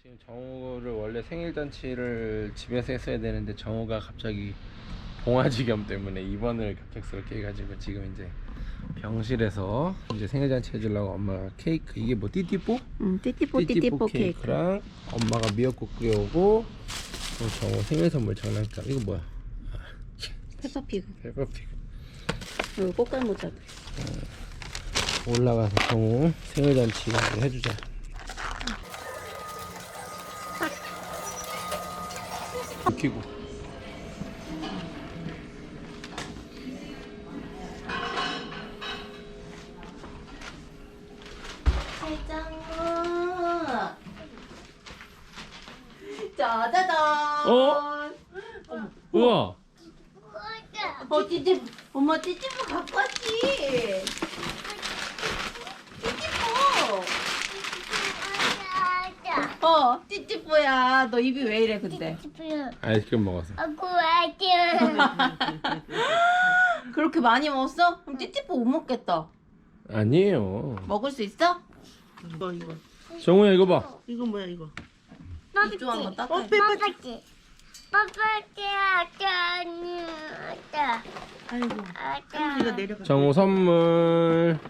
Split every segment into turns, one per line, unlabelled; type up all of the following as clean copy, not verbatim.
지금 정우를 원래 생일 잔치를 집에서 했어야 되는데 정우가 갑자기 봉화지겸 때문에 입원을 급작스럽게 해가지고 지금 이제 병실에서 이제 생일 잔치 해주려고 엄마가 케이크, 이게 뭐 띠띠뽀?
응, 띠띠뽀 케이크.
케이크랑 엄마가 미역국 끓여오고 정우 생일 선물 장난감. 이거 뭐야?
페퍼피그.
페퍼피그.
이거 꽃갈모자.
올라가서 정우 생일 잔치 해주자. 키고.
짜자잔.
어? 우와.
찌찌. 엄마 찌찌뽀 갖고 왔지. 찌찌뽀. 찌찌뽀야. 너 입이 왜 이래 근데?
아이스크림 먹었어.
그렇게 많이 먹었어? 그럼 찌찌뽀 못 먹겠다.
아니에요.
먹을 수 있어?
이거
정우야 이거 봐.
이거 뭐야 이거?
이쪽 한번 따뜻해.
빼빼. 아이고. 이거 내려가.
정우 선물.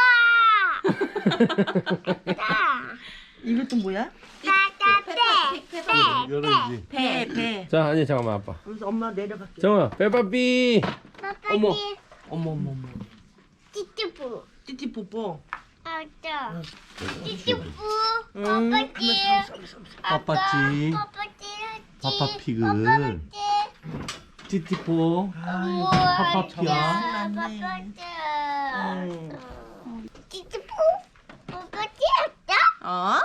이것도 뭐야?
열어야지.
배.
자, 아니 잠깐만 아빠.
그래서 엄마 내려갈게.
정우야 빼빠삐. 어머.
어머. 띠띠뽀뽀.
빠빠찌 파파피그 띠띠뽀 파파피야
어?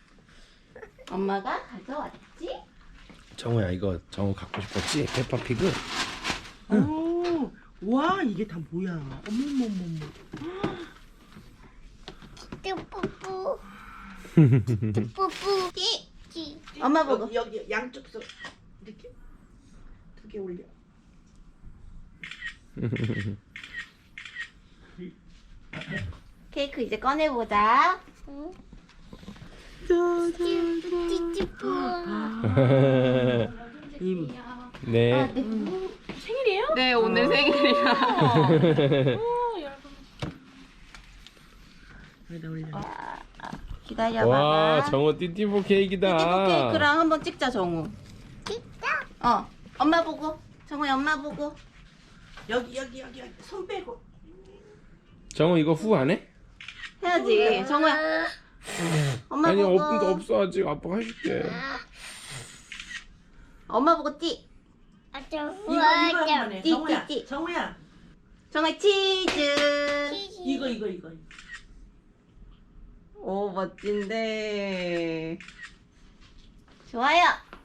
엄마가 가져왔지?
정우야 이거 정우 갖고 싶었지? 페퍼피그.
오, 와 이게 다 뭐야? 어머머머머.
엄마 보고.
여기 양쪽 서 이렇게 2개 올려.
케이크 이제 꺼내보자.
네.
생일이에요? 네, 오늘 생일이야.
여기다 올려.
기다려봐.
와, 정우 띠띠뽀 케이크다.
띠띠뽀 케이크랑 한번 찍자, 정우. 엄마 보고. 정우야, 엄마 보고.
여기 손 빼고.
정우 이거 후 안 해?
해야지. 정우야. 엄마
아니
보고.
없어 아직. 아빠가 해줄게.
엄마 보고 띠.
이거 한번 해.
띠,
정우야.
띠, 띠.
정우야.
정우야, 치즈.
이거.
오, 멋진데. 좋아요.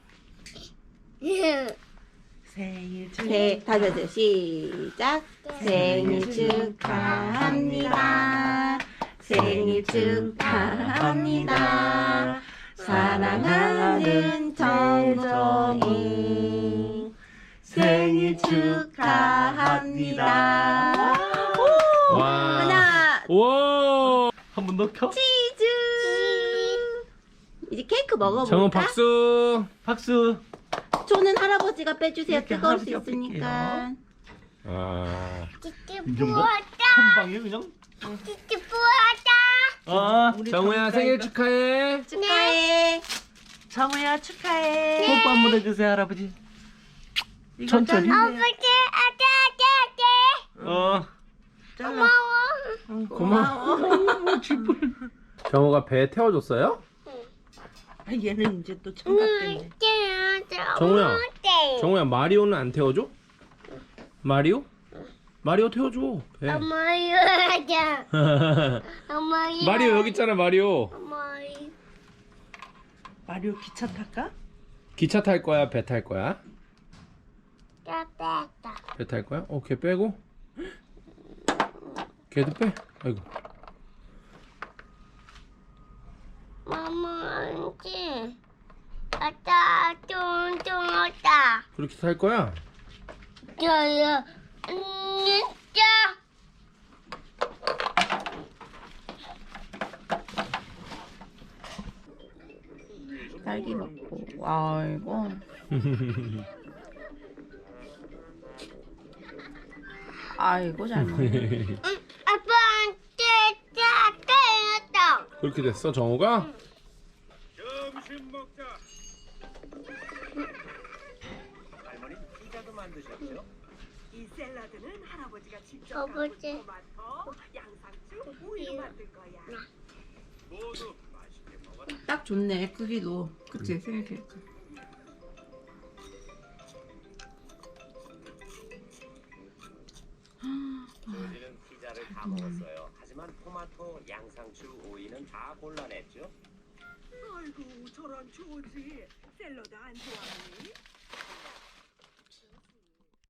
생일
다시 하세요. 시작. 생일 축하합니다. 생일 축하합니다. 사랑하는 정정이 생일 축하합니다.
와.
하나,
와.
한 번 더 켜?
치즈. 이제 케이크 먹어볼까?
정우 박수.
박수.
초는 할아버지가 빼주세요.
이렇게
뜨거울 수
할아버지가
있으니까.
아.
이제 뭐? 한 방에 그냥?
우리
정우야 생일 축하해.
축하해.
정우야 축하해.
뽀뽀 한 번 해주세요 할아버지.
이거
천천히.
잘라주세요. 잘라.
고마워. 정우가 배 태워줬어요?
아, 얘는 이제 또 청각됐네.
정우야 마리오는 안 태워줘? 마리오? 마리오 태워줘. 배. 마리오 여기 있잖아 마리오.
마리오 기차 탈까?
기차 탈 거야? 배 탈 거야? 배 탈 거야? 걔 빼고. 걔도 빼. 아이고. 그렇게 탈 거야?
딸기 먹고. 아이고. 아이고 잘 먹네.
아빠한테 때렸다.
그렇게 됐어 정우가?
점심 먹자. 할머니 피자도 만드셨죠?
이 샐러드는 할아버지가 직접
아버지.
토마토, 양상추, 우유로 만든 거야.
모두 맛있게 먹어.
딱 좋네 크기도. 그치 생일 케이크.
우리는 피자를 다 먹었어요. 하지만 토마토, 양상추, 오이는 다 골라냈죠.
아이고 저런 조지 샐러드 안 좋아하니?